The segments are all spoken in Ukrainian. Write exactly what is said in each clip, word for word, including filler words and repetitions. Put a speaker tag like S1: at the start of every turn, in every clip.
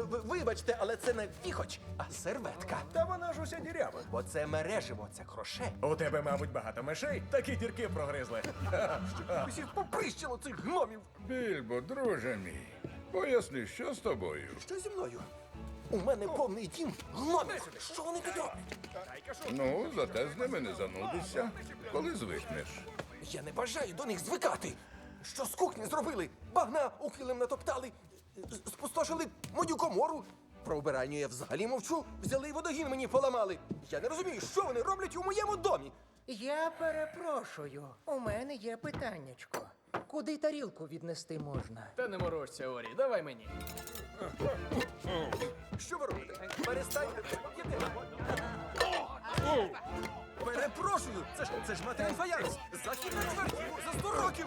S1: в- вибачте, але це не віхоч, а серветка.
S2: Та вона ж уся дірява.
S1: Бо це мереживо, це кроше.
S2: У тебе, мабуть, багато мишей, такі дірки прогризли.
S1: Усіх поприщило цих гномів.
S3: Більбо, друже мій, поясни, що з тобою?
S1: Що зі мною? У мене повний дім гномів. Що вони тут роблять?
S3: Ну, зате з ними не занудишся, коли звикнеш.
S1: Я не бажаю до них звикати. Що з кухні зробили? Багна у килим натоптали, з- спустошили мою комору. Про убиральню я взагалі мовчу. Взяли і водогін мені поламали. Я не розумію, що вони роблять у моєму домі.
S4: Я перепрошую. У мене є питаннячко. Куди тарілку віднести можна?
S5: Та не морочся, Орі, давай мені.
S1: Що ви робите? Перестаньте. Перепрошую, це ж це ж матеріал фаянс. Захід на чверть за сто років.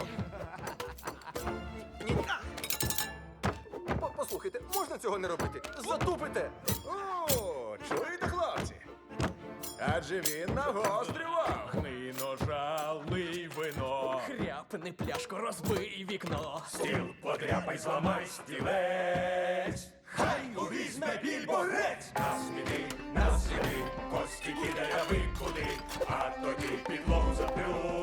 S1: Ні. По- Послухайте, можна цього не робити? Затупите.
S2: О, чуєте, хлопці? Адже він нагострював.
S5: Гни ножа, лий вино. Хряпни пляшку, розбий вікно.
S2: Стіл подряпай, зламай стілець. Хай увізьме більборець. На сліди, на сліди, кості кидає викуди, а тоді підлогу заплю.